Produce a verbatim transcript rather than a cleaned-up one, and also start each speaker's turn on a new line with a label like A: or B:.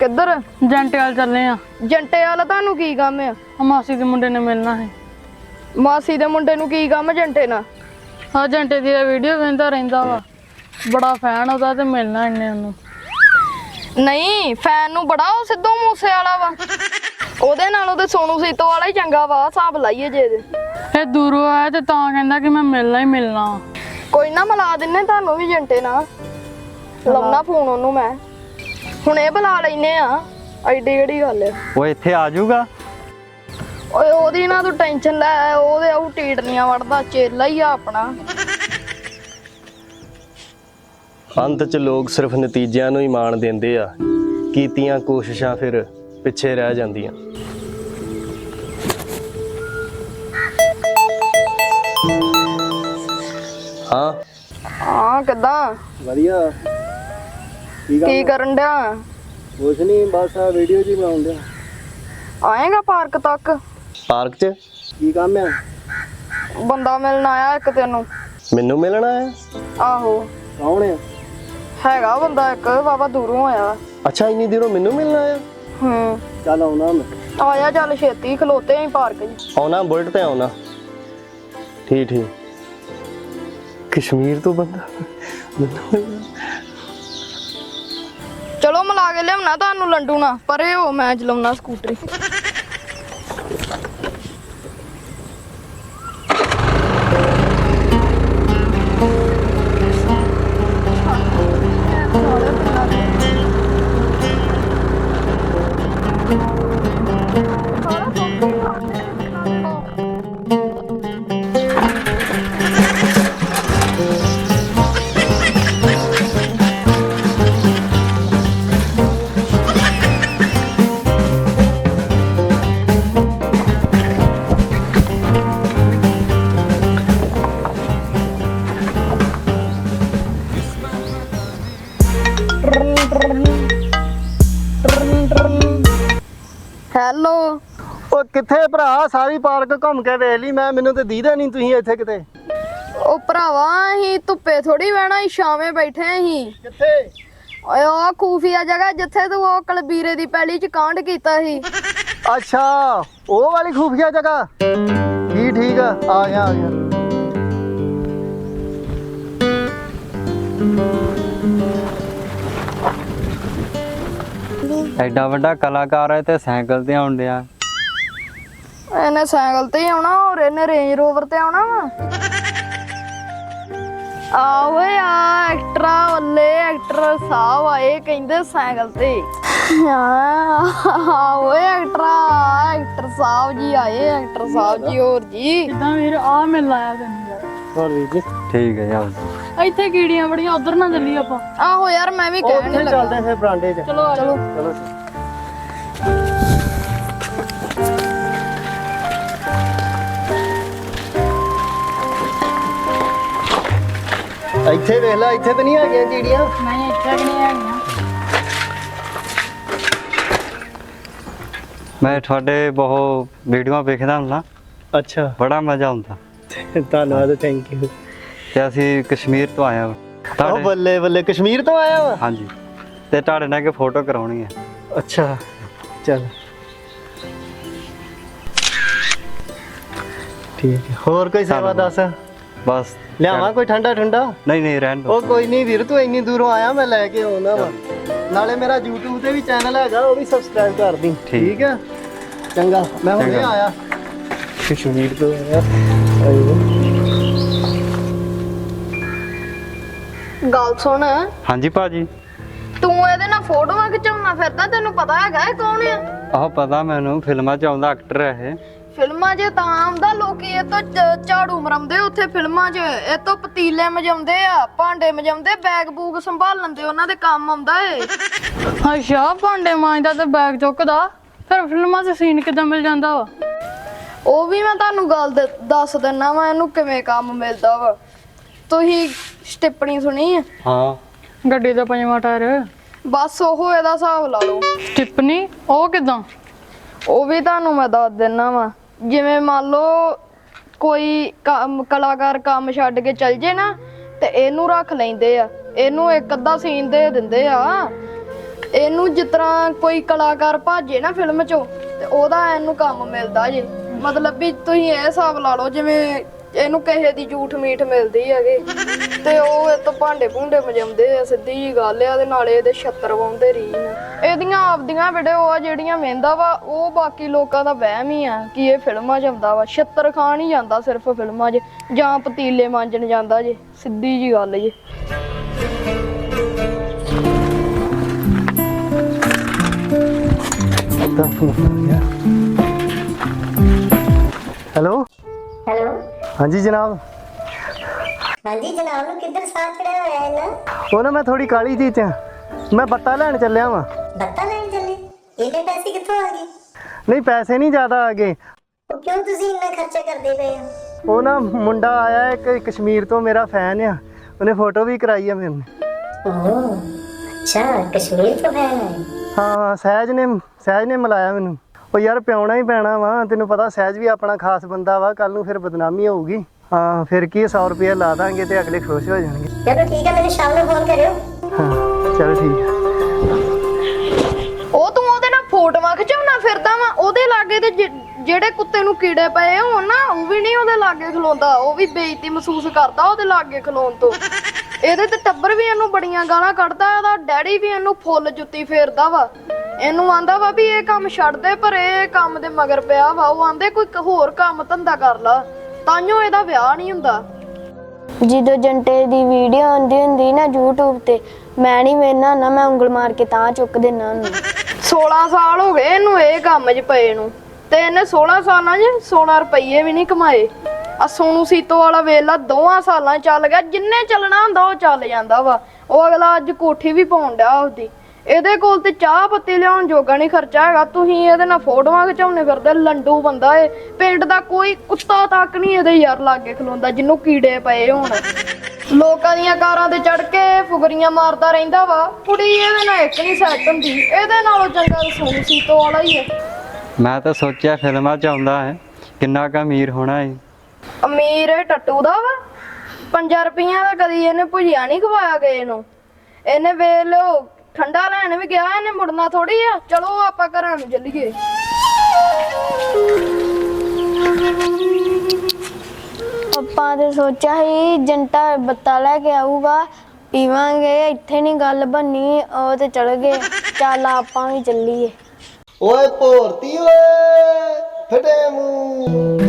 A: किधर
B: जंटे वाल चलने आ
A: जंटे वाला तानू की काम है
B: मासी के मुंडे ने मिलना है
A: मासी दे मुंडे नू की काम है जंटे ना
B: हाँ जंटे दी वीडियो वेंदा रहिंदा वा बड़ा फैन होता ते मिलना इन्ने ओनू
A: नहीं फैन नू बड़ा ओ सिद्धू मूसे वाला वा ओदे नालों ते सोनू सीतो वाला ही चंगा वा हिसाब लाइए जे दे
B: ए दूरों आया ते तां कहंदा कि मैं मिलना ही मिलना
A: कोई ना मिला दिन्ने तानू भी जंटे ना लाउना फोन ओनू मैं हुणे बुला लैने आ ਐਡੀ ਕਿਹੜੀ ਗੱਲ ਹੈ
C: ਉਹ ਇੱਥੇ ਆ ਜਾਊਗਾ
A: ਓਏ ਉਹਦੀ ਨਾ ਤੂੰ ਟੈਨਸ਼ਨ ਲੈ ਉਹਦੇ ਆਉ ਟੀਟਨੀਆਂ ਵੜਦਾ ਚੇਲਾ ਹੀ ਆ ਆਪਣਾ
C: ਅੰਤ 'ਚ ਲੋਕ ਸਿਰਫ ਨਤੀਜਿਆਂ ਨੂੰ ਹੀ ਮਾਣ ਦਿੰਦੇ ਆ ਕੀਤੀਆਂ ਕੋਸ਼ਿਸ਼ਾਂ ਫਿਰ ਪਿੱਛੇ ਰਹਿ ਜਾਂਦੀਆਂ ਹਾਂ
A: ਹਾਂ ਕਿੱਦਾਂ
C: ਵਧੀਆ
A: ਕੀ ਕਰਨ ਡਿਆ
C: ਕੁਛ ਨਹੀਂ ਬਸ ਆ ਵੀਡੀਓ ਜੀ ਬਣਾਉਣ ਡਿਆ
A: ਆਏਗਾ ਪਾਰਕ ਤੱਕ
C: ਪਾਰਕ 'ਚ ਕੀ ਕੰਮ ਆ
A: ਬੰਦਾ ਮਿਲਣ ਆਇਆ ਇੱਕ ਤੈਨੂੰ
C: ਮੈਨੂੰ ਮਿਲਣਾ ਹੈ
A: ਆਹੋ
C: ਕੌਣ ਆ
A: ਹੈਗਾ ਬੰਦਾ ਇੱਕ ਬਾਬਾ ਦੂਰੋਂ ਆਇਆ
C: ਅੱਛਾ ਇੰਨੀ ਦੇਰੋਂ ਮੈਨੂੰ ਮਿਲਣਾ ਆ
A: ਹੂੰ
C: ਚੱਲ ਆਉਣਾ ਮੈਂ
A: ਆਇਆ ਚੱਲ ਛੇਤੀ ਖਲੋਤੇ ਆਂ ਪਾਰਕ 'ਚ
C: ਆਉਣਾ ਬੁਲਟ ਤੇ ਆਉਣਾ ਠੀਕ ਠੀਕ ਕਸ਼ਮੀਰ ਤੋਂ ਬੰਦਾ
A: ਚਲੋ ਮਿਲਾ ਕੇ ਲਿਆਉਣਾ ਤੁਹਾਨੂੰ ਲੰਡੂ ਨਾ ਪਰੇ ਹੋ ਮੈਂ ਚਲਾਉਣਾ ਸਕੂਟਰੀ ਹੈਲੋ
C: ਉਹ ਕਿੱਥੇ ਭਰਾ ਸਾਰੀ ਪਾਰਕ ਘੁੰਮ ਕੇ ਵੇਖ ਲਈ ਮੈਂ ਮੈਨੂੰ ਤੇ ਦੀਦਾ ਨਹੀਂ ਤੁਸੀਂ ਇੱਥੇ ਕਿਤੇ
A: ਉਹ ਭਰਾਵਾ ਅਸੀਂ ਧੁੱਪੇ ਥੋੜੀ ਬਹਿਣਾ ਅਸੀਂ ਛਾਵੇਂ ਬੈਠੇ ਅਸੀਂ
C: ਕਿੱਥੇ
A: ਓਏ ਉਹ ਖੂਫੀਆ ਜਗ੍ਹਾ ਜਿੱਥੇ ਤੂੰ ਉਹ ਕਲਬੀਰੇ ਦੀ ਪੈਲੀ ਚ ਕਾਂਡ ਕੀਤਾ ਸੀ
C: ਅੱਛਾ ਉਹ ਵਾਲੀ ਖੂਫੀਆ ਜਗ੍ਹਾ ਠੀਕ ਠੀਕ ਆ ਆ ਗਿਆ ਆ ਗਿਆ
D: ਐਡਾ ਵੱਡਾ ਕਲਾਕਾਰ ਹੈ ਤੇ ਸਾਈਕਲ ਤੇ ਆਉਣ ਡਿਆ
A: ਇਹਨੇ ਸਾਈਕਲ ਤੇ ਹੀ ਆਉਣਾ ਔਰ ਇਹਨੇ ਰੇਂਜ ਰੋਵਰ ਤੇ ਆਉਣਾ ਵਾ ਆ ਓਏ ਆ ਐਕਟਰਾ ਵੱਲੇ ਐਕਟਰ ਸਾਹਿਬ ਆਏ ਕਹਿੰਦੇ ਸਾਈਕਲ ਤੇ ਆ ਓਏ ਐਕਟਰਾ ਐਕਟਰ ਸਾਹਿਬ ਜੀ ਆਏ ਐਕਟਰ ਸਾਹਿਬ ਜੀ ਹੋਰ ਜੀ
B: ਕਿਦਾਂ ਵੀਰ ਆ ਮਿਲ ਆਇਆ ਤੈਨੂੰ ਯਾਰ
C: ਹੋਰ ਵੀਰ ਜੀ
D: ਠੀਕ ਹੈ ਜਾਓ
B: ਇੱਥੇ ਕੀੜੀਆਂ ਬੜੀਆਂ ਉਧਰ ਨਾ ਚੱਲੀ ਆਪਾਂ
A: ਆਹੋ ਯਾਰ ਮੈਂ ਵੀ ਕਹਿਣ
C: ਉੱਥੇ
A: ਲੱਗਾ
C: ਚੱਲਦੇ ਫਿਰ ਬਰਾਂਡੇ 'ਚ
B: ਚਲੋ ਆ
A: ਚਲੋ
C: ਚਲੋ ਇੱਥੇ ਵੇਖ ਲੈ ਇੱਥੇ ਤੇ ਨਹੀਂ ਹੈਗੀਆਂ ਕੀੜੀਆਂ
B: ਨਹੀਂ ਇੱਥੇ ਕਿ ਨਹੀਂ ਹੈਗੀਆਂ
D: ਮੈਂ ਤੁਹਾਡੇ ਬਹੁਤ ਵੀਡੀਓਆਂ ਵੇਖਦਾ ਹੁੰਦਾ
C: ਅੱਛਾ
D: ਬੜਾ ਮਜ਼ਾ ਆਉਂਦਾ
C: ਧੰਨਵਾਦ ਥੈਂਕ ਯੂ
D: ਤੇ ਅਸੀਂ ਕਸ਼ਮੀਰ ਤੋਂ ਆਏ ਹਾਂ
C: ਉਹ
D: ਤੁਹਾਡੇ
C: ਬੱਲੇ ਬੱਲੇ ਕਸ਼ਮੀਰ ਤੋਂ ਆਇਆ ਵਾ
D: ਹਾਂਜੀ ਤੇ ਤੁਹਾਡੇ ਨਾਲ ਇੱਕ ਫੋਟੋ ਕਰਾਉਣੀ ਹੈ
C: ਅੱਛਾ ਚੱਲ ਠੀਕ ਹੈ ਹੋਰ ਕੋਈ ਸੇਵਾ ਦੱਸ
D: ਬਸ
C: ਲਿਆਵਾਂ ਕੋਈ ਠੰਡਾ ਠੰਡਾ
D: ਨਹੀਂ ਨਹੀਂ ਰਹਿਣ ਦਿਓ
C: ਉਹ ਕੋਈ ਨਹੀਂ ਵੀਰ ਤੂੰ ਇੰਨੀ ਦੂਰੋਂ ਆਇਆ ਮੈਂ ਲੈ ਕੇ ਆਉਣਾ ਵਾ ਨਾਲੇ ਮੇਰਾ YouTube ਤੇ ਵੀ ਚੈਨਲ ਹੈਗਾ ਉਹ ਵੀ ਸਬਸਕ੍ਰਾਈਬ ਕਰ ਦੀ ਠੀਕ ਹੈ ਚੰਗਾ ਮੈਂ ਹੁਣੇ
D: ਚੰਗਾ।
C: ਆਇਆ ਕਸ਼ਮੀਰ ਤੋਂ ਆਇਆ ਆਇਓ
A: ਗੱਲ ਸੁਣ
D: ਹਾਂਜੀ ਭਾਜੀ
A: ਤੂੰ ਇਹਦੇ ਨਾਲ ਫੋਟੋਆਂ ਖਿਚਾਉਣਾ ਫਿਰਦਾ ਤੈਨੂੰ ਪਤਾ ਹੈਗਾ ਇਹ ਕੌਣ ਆ
D: ਆਹ ਪਤਾ ਮੈਨੂੰ ਫਿਲਮਾਂ 'ਚ ਆਉਂਦਾ ਐਕਟਰ ਹੈ ਇਹ
A: ਫਿਲਮਾਂ 'ਚ ਤਾਂ ਆਉਂਦਾ ਲੋਕੀ ਇਹ ਤੋਂ ਝ- ਝਾੜੂ ਮਰਮਦੇ ਉੱਥੇ ਫਿਲਮਾਂ 'ਚ ਇਹ ਤੋਂ ਪਤੀਲੇ ਮਜਾਉਂਦੇ ਆ ਭਾਂਡੇ ਮਜਾਉਂਦੇ ਬੈਗ ਬੂਗ ਸੰਭਾਲਣ ਦੇ ਉਹਨਾਂ ਦੇ ਕੰਮ ਆਉਂਦਾ ਏ
B: ਅੱਛਾ ਭਾਂਡੇ ਮਾਂਜਦਾ ਤੇ ਬੈਗ ਚੁੱਕਦਾ ਫਿਰ ਫਿਲਮਾਂ 'ਚ ਸੀਨ ਕਿੱਦਾਂ ਮਿਲ ਜਾਂਦਾ ਵਾ
A: ਉਹ ਵੀ ਮੈਂ ਤੁਹਾਨੂੰ ਗੱਲ ਦ- ਦੱਸ ਦਿੰਨਾ ਵਾ ਇਹਨੂੰ ਕਿਵੇਂ ਕੰਮ ਮਿਲਦਾ ਵਾ ਤੁਸੀਂ ਸਟਿੱਪਣੀ ਸੁਣੀ ਆ
D: ਹਾਂ
B: ਗੱਡੀ ਦਾ ਪੰਜਵਾਂ ਟਾਇਰ
A: ਬਸ ਉਹ ਇਹਦਾ ਹਿਸਾਬ ਲਾ ਲਓ
B: ਸਟਿਪਨੀ ਉਹ ਕਿਦਾਂ
A: ਉਹ ਵੀ ਤੁਹਾਨੂੰ ਮੈਂ ਦੱਸ ਦਿੰਨਾ ਵਾ ਜਿਵੇਂ ਮੰਨ ਲਓ ਕੋਈ ਕੰਮ ਕਲਾਕਾਰ ਕੰਮ ਛੱਡ ਕੇ ਚੱਲ ਜੇ ਨਾ ਤੇ ਇਹਨੂੰ ਰੱਖ ਲੈਂਦੇ ਆ ਇਹਨੂੰ ਇੱਕ ਅੱਧਾ ਸੀਨ ਦੇ ਦਿੰਦੇ ਆ ਇਹਨੂੰ ਜਿਸ ਤਰ੍ਹਾਂ ਕੋਈ ਕਲਾਕਾਰ ਭਾਜੇ ਨਾ ਫਿਲਮ 'ਚੋਂ ਤੇ ਉਹਦਾ ਇਹਨੂੰ ਕੰਮ ਮਿਲਦਾ ਜੇ। ਮਤਲਬ ਵੀ ਤੁਸੀਂ ਇਹ ਹਿਸਾਬ ਲਾ ਲਓ ਜਿਵੇਂ ਇਹਨੂੰ ਕਿਸੇ ਦੀ ਝੂਠ ਮੀਠ ਮਿਲਦੀ ਹੈਗੇ ਤੇ ਉਹ ਇਹ ਤੋਂ ਭਾਂਡੇ ਭੁੰਡੇ ਮਜਾਉਂਦੇ ਆ, ਸਿੱਧੀ ਜੀ ਗੱਲ ਆ। ਤੇ ਨਾਲੇ ਇਹਦੇ ਛੱਤਰ ਵਾਉਂਦੇ ਰੀਨ। ਇਹਦੀਆਂ ਆਪਦੀਆਂ ਵੀਡੀਓ ਆ ਜਿਹੜੀਆਂ ਵੇਂਦਾ ਵਾ, ਉਹ ਬਾਕੀ ਲੋਕਾਂ ਦਾ ਵਹਿਮ ਹੀ ਆ ਕਿ ਇਹ ਫਿਲਮਾਂ 'ਚ ਆਉਂਦਾ ਵਾ। ਛੱਤਰ ਖਾਣ ਹੀ ਜਾਂਦਾ ਸਿਰਫ ਫਿਲਮਾਂ 'ਚ, ਜਾਂ ਪਤੀਲੇ ਮਾਂਜਣ ਜਾਂਦਾ ਜੇ, ਸਿੱਧੀ ਜੀ ਗੱਲ ਜੇ।
C: हेलो
E: हेलो
C: हाँ जी जनाब।
E: हाँ जी जनाब ਨੂੰ ਕਿੱਧਰ ਸਾਹ ਚੜਿਆ ਹੋਇਆ ਹੈ ਨਾ?
C: ਉਹ ਨਾ ਮੈਂ ਥੋੜੀ ਕਾਲੀ ਜੀ ਚ ਮੈਂ ਬੱਤਾ ਲੈਣ ਚੱਲਿਆ ਵਾਂ।
E: ਬੱਤਾ ਲੈਣ ਚੱਲੇ? ਇਹਨੇ ਪੈਸੇ ਕਿੱਥੋਂ ਆ ਗਏ?
C: ਨਹੀਂ ਪੈਸੇ ਨਹੀਂ ਜ਼ਿਆਦਾ ਆ ਗਏ।
E: ਉਹ ਕਿਉਂ ਤੁਸੀਂ ਇੰਨਾ ਖਰਚਾ ਕਰਦੇ ਪਏ ਹੋ?
C: ਉਹ ਨਾ ਮੁੰਡਾ ਆਇਆ ਇੱਕ ਕਸ਼ਮੀਰ ਤੋਂ, ਮੇਰਾ ਫੈਨ ਆ, ਉਹਨੇ ਫੋਟੋ ਵੀ ਕਰਾਈ ਆ ਮੇਰੇ ਨਾਲ।
E: ਓਹ ਅੱਛਾ, ਕਸ਼ਮੀਰ ਤੋਂ ਹੈ?
C: ਹਾਂ ਸਹਿਜ ਨੇ ਸਹਿਜ ਨੇ ਮਿਲਾਇਆ ਮੈਨੂੰ। ਉਹ ਯਾਰ ਪਿਆਉਣਾ ਹੀ ਪੈਣਾ ਵਾ, ਤੈਨੂੰ ਪਤਾ ਸਹਿਜ ਵੀ ਆਪਣਾ ਖਾਸ ਬੰਦਾ ਵਾ, ਕੱਲ ਨੂੰ ਫਿਰ ਬਦਨਾਮੀ ਹੋਊਗੀ। ਹਾਂ ਫਿਰ ਕੀ ਸੌ ਰੁਪਇਆ ਲਾ ਦਾਂਗੇ ਤੇ ਅਗਲੇ ਖੁਸ਼ ਹੋ ਜਾਣਗੇ।
E: ਚਲੋ ਠੀਕ ਹੈ, ਮੈਨੂੰ ਸ਼ਾਮ ਨੂੰ ਫੋਨ ਕਰਿਓ।
C: ਹਾਂ ਚਲ ਠੀਕ ਹੈ।
A: ਉਹ ਤੂੰ ਉਹਦੇ ਨਾਲ ਫੋਟੋਆਂ ਖਿਚਾਉਣਾ ਫਿਰਦਾ ਵਾ, ਉਹਦੇ ਲਾਗੇ ਤੇ ਜਿ- ਜਿਹੜੇ ਕੁੱਤੇ ਨੂੰ ਕੀੜੇ ਪਏ ਹੋਣ ਨਾ, ਉਹ ਵੀ ਨਹੀਂ ਉਹਦੇ ਲਾਗੇ ਖਲੋਂਦਾ। ਉਹ ਵੀ ਬੇਇੱਜ਼ਤੀ ਮਹਿਸੂਸ ਕਰਦਾ ਉਹਦੇ ਲਾਗੇ ਖਲੋਣ ਤੋਂ। ਇਹਦੇ ਤੇ ਟੱਬਰ ਵੀ ਇਹਨੂੰ ਬੜੀਆਂ ਗਾਲਾਂ ਕੱਢਦਾ, ਇਹਦਾ ਡੈਡੀ ਵੀ ਇਹਨੂੰ ਫੁੱਲ ਜੁੱਤੀ ਫੇਰਦਾ ਵਾ। ਇਹਨੂੰ ਆਂਦਾ ਵਾ ਵੀ ਇਹ ਕੰਮ ਛੱਡ ਦੇ, ਪਰ ਇਹ ਕੰਮ ਦੇ ਮਗਰ ਪਿਆ ਵਾ। ਉਹ ਆਂਦੇ ਕੋਈ ਹੋਰ ਕੰਮ ਧੰਦਾ ਕਰ ਲਾ, ਤਾਂਿਓ ਇਹਦਾ ਵਿਆਹ ਨਹੀਂ ਹੁੰਦਾ।
F: ਜਦੋਂ ਜੰਟੇ ਦੀ ਵੀਡੀਓ ਆਉਂਦੀ ਹੁੰਦੀ ਨਾ YouTube ਤੇ, ਮੈਂ ਨਹੀਂ ਵੇਖਣਾ ਨਾ, ਮੈਂ ਉਂਗਲ ਮਾਰ ਕੇ ਤਾਂ ਚੁੱਕ ਦੇਣਾ ਉਹਨੂੰ।
A: ਸੋਲਾਂ ਸਾਲ ਹੋ ਗਏ ਇਹਨੂੰ ਇਹ ਕੰਮ 'ਚ ਪਏ ਨੂੰ, ਤੇ ਇਹਨੇ ਸੋਲਾਂ ਸਾਲਾਂ 'ਚ ਸੋਲਾਂ ਰੁਪਈਏ ਵੀ ਨਹੀਂ ਕਮਾਏ। ਆ ਸੋਨੂ ਸੀਤੋ ਵਾਲਾ ਵੇਲਾ ਦੋਵਾਂ ਸਾਲਾਂ 'ਚ ਚੱਲ ਗਿਆ, ਜਿੰਨੇ ਚੱਲਣਾ ਹੁੰਦਾ ਉਹ ਚੱਲ ਜਾਂਦਾ ਵਾ। ਉਹ ਅਗਲਾ ਅੱਜ ਕੋਠੀ ਵੀ ਪਾਉਣ ਡਿਆ ਉਹਦੀ। ਇਹਦੇ ਕੋਲ ਤੇ ਚਾਹ ਪੱਤੀ ਲਿਆਉਣ ਜੋਗਾ ਨਹੀਂ ਖਰਚਾ ਹੈਗਾ। ਤੁਸੀਂ ਇਹਦੇ ਨਾਲ ਫੋਟੋਆਂ ਖਿਚਾਉਣੇ ਫਿਰਦੇ, ਲੰਡੂ ਬੰਦਾ ਏ। ਪਿੰਡ ਦਾ ਕੋਈ ਕੁੱਤਾ ਤੱਕ ਨਹੀਂ ਇਹਦੇ ਯਾਰ ਲਾਗੇ ਖਲੋਂਦਾ ਜਿਹਨੂੰ ਕੀੜੇ ਪਏ ਹੋਣ। ਲੋਕਾਂ ਦੀਆਂ ਕਾਰਾਂ ਤੇ ਚੜ ਕੇ ਫੁਗਰੀਆਂ ਮਾਰਦਾ ਰਹਿੰਦਾ ਵਾ। ਕੁੜੀ ਇਹਦੇ ਨਾਲ ਇੱਕ ਨਹੀਂ ਸੈੱਟ ਹੁੰਦੀ, ਇਹਦੇ ਨਾਲੋਂ ਚੰਗਾ ਸੋਨੂ ਸੀਤੋ ਵਾਲਾ ਹੀ ਹੈ।
D: ਮੈਂ ਤਾਂ ਸੋਚਿਆ ਫਿਲਮਾਂ 'ਚ ਆਉਂਦਾ ਹੈ, ਕਿੰਨਾ ਕੁ ਅਮੀਰ ਹੋਣਾ ਹੈ।
A: ਅਮੀਰ ਇਹ ਟੱਟੂ ਦਾ ਵਾ। ਪੰਜਾਂ ਰੁਪਈਆਂ ਦਾ ਕਦੀ ਇਹਨੇ ਭੁਜਿਆ ਨਹੀਂ ਖਵਾਇਆ ਗਏ ਨੂੰ। ਇਹਨੇ ਵੇਖ ਲਓ ਠੰਡਾ ਲੈਣ ਵੀ ਗਿਆ, ਇਹਨੇ ਮੁੜਨਾ ਥੋੜੀ ਆ। ਚਲੋ ਆਪਾਂ ਘਰਾਂ ਨੂੰ ਚੱਲੀਏ।
F: ਆਪਾਂ ਤੇ ਸੋਚਿਆ ਸੀ ਜੰਟਾ ਬੱਤਾ ਲੈ ਕੇ ਆਊਗਾ, ਪੀਵਾਂਗੇ, ਇੱਥੇ ਨਹੀਂ ਗੱਲ ਬੰਨੀ। ਉਹ ਤੇ ਚਲ ਗਏ। ਚੱਲ ਆਪਾਂ ਵੀ ਚੱਲੀਏ।
C: ਓਏ ਭੋਰਤੀ ਓਏ ਫਟੇ ਮੂੰਹ।